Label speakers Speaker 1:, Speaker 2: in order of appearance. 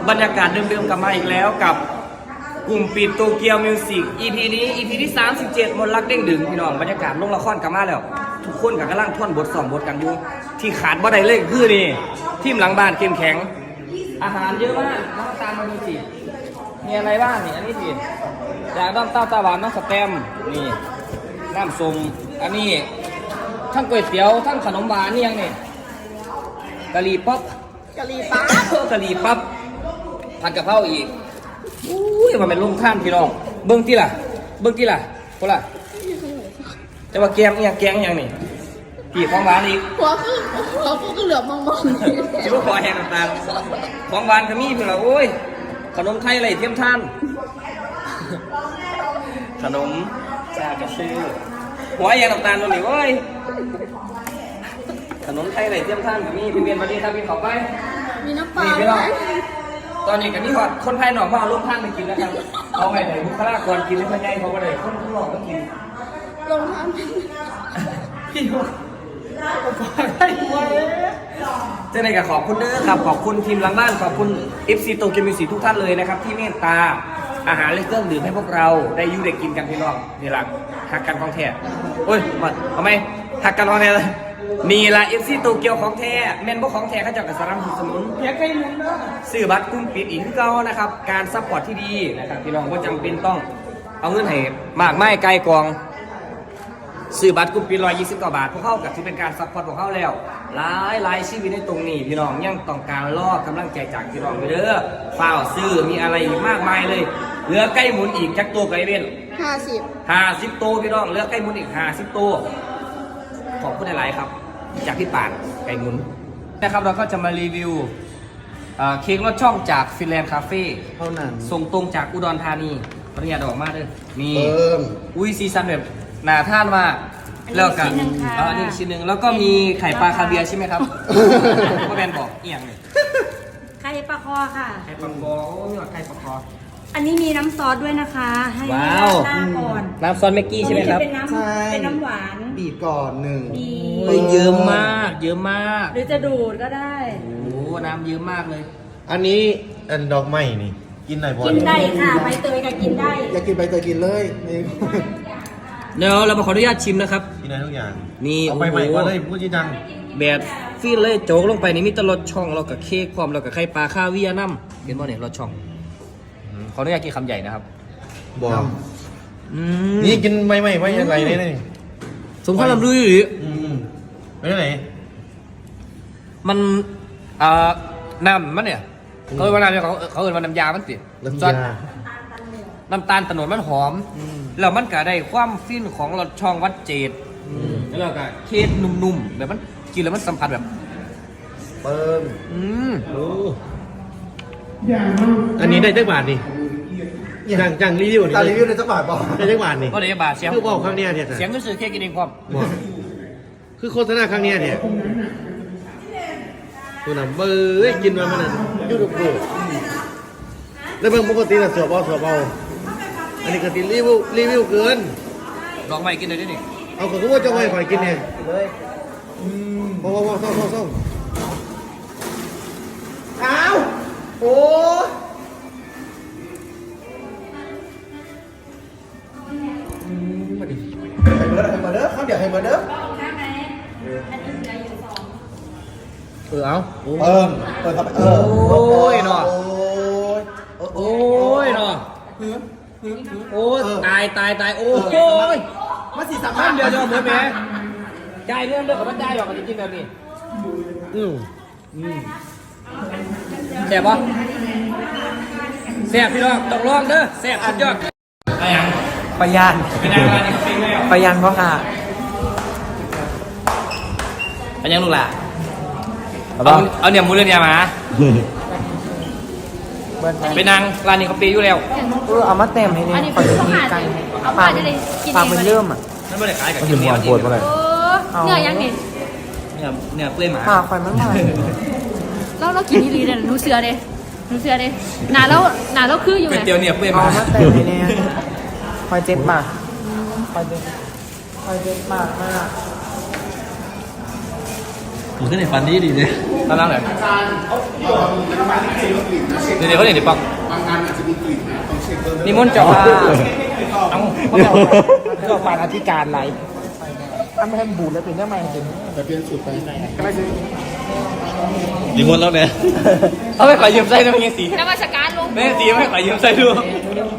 Speaker 1: บรรยากาศเดิมๆกลับมาอีกแล้วกับกลุ่มปิดโตเกียวมิวสิก EP นี้ EP ที่37มนต์รักเด้งดึงพี่น้องบรรยากาศลงละครกลับมาแล้วทุกคนกำลังท่อนบทสองบทกันอยู่ที่ขาดบ่ได้เลยคือนี่ทีมหลังบ้านเข้มแข็งอาหารเยอะมากน้ำตาลมาดูสิมีอะไรบ้างนี่อันนี้สิจากน้ำเต้าตาหวานน้ำสแตมนี่น้ำส้มอันนี้ทั้งก๋วยเตี๋ยวทั้งขนมหวานนี่ยังนี่กะหรี่ปั๊บกะหรี่ปั๊บผัดกะเพราอีกอุ้ยมันเป็นลุงท่านพี่น้องเบิ้งที่ล่ะคนละจะว่าแกงเนี่ยแกงอย่างนี่พี่ของหวานอีก
Speaker 2: หัวก็เหลือบมอง
Speaker 1: จิ๋วคอแห้งต่างๆของหวานก็มีเพื่อนละโอ้ยขนมไทยอะไรเทียมท่านขนมชากระซื้อหัวแห้งต่างๆตัวนี้โอ้ยขนมไทยอะไรเทียมท่านก็มีพี่เบียนมาดีครับพี่ขอไป
Speaker 2: มีน้ำปลา
Speaker 1: ไหมตอนนี้กันนี่หอดคนไทยหนอกมาเอาลูกท่านไปกินนะครับเอาไงไหนบุคลากรกินให้มันใหญ่เขาก็เลยคนหลอกก็กิน
Speaker 2: ลงท่าน
Speaker 1: พี่บอกได้ไหมเจ้าไหนกับขอบคุณเด้อครับขอบคุณทีมหลังบ้านขอบคุณ FC โตเกียวมิวสิกทุกท่านเลยนะครับที่เมตตาอาหารและเครื่องดื่มให้พวกเราได้ยุ่ได้กินกันพี่น้องนี่หลักหักกันของแท้โอ้ยมาเอาไหมหักกันของแท้เลยนี่ละ FC โตเกียวของแท้แม่นพวกของแท้เขาจะกับสารสมุนเพียงใกล้มุนเนาะซื้อบัตรกุ้งปิดอีกที่เก่านะครับการซัพพอร์ตที่ดีนะครับพี่น้องก็จำเป็นต้องเอาเงินให้มากไม่ไกลกองซื้อบัตรกลุ่มปี129 บาทพวกเขากับที่เป็นการซัพพอร์ตของเขาแล้วหลายชีวิตในตรงนี้พี่น้องยังต้องการรอกำลังใจจากพี่น้องไปเด้อฝ้าวซื้อมีอะไรอีกมากมายเลยเหลือใกล้หมุนอีกจักตัวไก่เว้น50ตัวพี่น้องเหลือใกล้หมุนอีก50ตัวขอบคุณหลายๆครับจากพี่ป่านไก่หมุนนะครับเราก็จะมารีวิวเค้กรสช่องจากฟินแลนด์คาเฟ่
Speaker 3: เท่านั้น
Speaker 1: ส่งตรงจากอุดรธานีปริญญาดอกมาด้วยนี่อุ้ยซีซันแบบหนาท่านมากแล้วกันอันนี้ชิ้นหนึ่งแล้วก็มีไข่ปลาคาเวียใช่ไหมครับก็แบนบอกเอียงเลย
Speaker 4: ไข่ปลาคอค่ะ
Speaker 1: ไข่ปลาคอโอ้ยไข่ปลาคอ
Speaker 4: อันนี้มีน้ำซอสด้วยนะคะให้หน้าก่อน
Speaker 1: น้ำซอสแม็กกี้ใช่ไหมครับ
Speaker 4: เป็นน้ำหวาน
Speaker 3: บีบก่อนหนึ่ง
Speaker 1: เยอะมาก
Speaker 4: หรือจะดูดก็ได้
Speaker 1: โอ้น้ำเยอะมากเลย
Speaker 3: อันนี้อันดอกไม้นี่กินไหนพอ
Speaker 4: กินได้ค่ะใบเตยก็กินได้
Speaker 3: อยากกินใบเตยกินเลยนี่
Speaker 1: เดี๋ยวเรามาขออนุญาตชิมนะครับ
Speaker 3: กินได้ทุกอย่าง
Speaker 1: นี่
Speaker 3: เอาไปใหม่ก็เลยพูดจริงจัง
Speaker 1: แบบฟีนเลยโจกลงไปนี่มีตลอดช่องเรากับเค้กพร้อมเรากับไข่ปลาคาเวียน้ำเห็นบ่เนี่ยรสช่องขออนุญาตกินคำใหญ่นะครับ
Speaker 3: บอกนี่กินใหม่ไว้ยังไงนี่
Speaker 1: สมควรลำลุยหรือ
Speaker 3: ไปไหน
Speaker 1: มันน้ำมันเนี่ยเขาเอ่ยว่าน้ำเขาเอ่ยว่าน้ำยามันติน้ำตาลตะโนดมันหอมแล้วมันก็ได้ความฟินของรสช่องวัดเจดแล้วก็เค้กนุ่มๆแบบมันกินแล้วมันสัมผัสแบบ
Speaker 3: เปิ้มอันนี้ได้จักบาทนี่จังรีวิวนี่รีวิวได้จักบาทป่ะได้จักบาทนี่
Speaker 1: ก็ได้บาทเสียง
Speaker 3: คือบอกครั้งนี้เนี่ย
Speaker 1: เสียงก็ซื้อเค้กกินเองพร้อม
Speaker 3: คือโฆษณาครั้งนี้เนี่ยตัวน้ำเบอร์กินมามันยูทูบดูแล้วเพิ่งปกติน่ะเสือเบาอันนี้ก็ติรีวิวเกิน
Speaker 1: ลองใหม่กินเลยดินี่
Speaker 3: เอาก็คือว่าจะไม่ค่อยกินเนี่ยเลยพอซ่ออ้าวโอ้มาดิให้เบอร์เขาเดี๋ยวให้เบอร์เอาเปิดครับ
Speaker 1: โอ้ยเนาะโอ้ยเนาะโอ้ตายโอ้ย
Speaker 3: มาสี่สาม
Speaker 1: เดี๋ยวเหมือนแม่ใจเรื่องกับมันใจหรอกจริงๆแบบนี้แซ่บปะแซ่บพี่น้องต้องลองเด้อแซ่บสุดยอด
Speaker 5: ปยานเพราะค่ะ
Speaker 1: เป็นยังลูกหล่ะเอาเนี่ยมูเรียนยามาเป็นนางร้านนี้เขาปีอยู่แล้ว
Speaker 5: เอามาเต็มให้เนี่ยขอจะมีกันปากเป็นเริ่มอ่ะ
Speaker 1: นั่นไม่ได้ขายกับ
Speaker 3: กินเนี่ยปวดมาเลย
Speaker 4: เนื้อยังนี่
Speaker 1: เนี่ยเปื่อยหมา
Speaker 5: คอยมันหน่อย
Speaker 4: เรากินที่รีเนี่ยหนูเสือเด้หนาแล้วคืออยู่ไง
Speaker 1: เตี๋ยวเนี่ยเปื่อยหมา
Speaker 5: เต็มให้เนี่ยคอยเจ็บมากมาก
Speaker 1: ผมขึ้นในฟันนี้ดีเลยตอนนั้นเลยเดี๋ยวเขาเดี๋ยวปักนิมนต์เจ้าค่ะเอาเจ้าผ่านอธิการไร
Speaker 5: อันไม่ให้บูดแล้วเป็นได้ไหมจริงแต่เปลี่ยนสูตรไปก็ไม่ซื้อ
Speaker 3: ดีมดแล้วเนี่ย
Speaker 1: เอาไปขอยืมไส้ด้วยเงี้ยสี
Speaker 4: นมัสการลง
Speaker 1: แม่สีไม่ขอยืมไส้ด้วย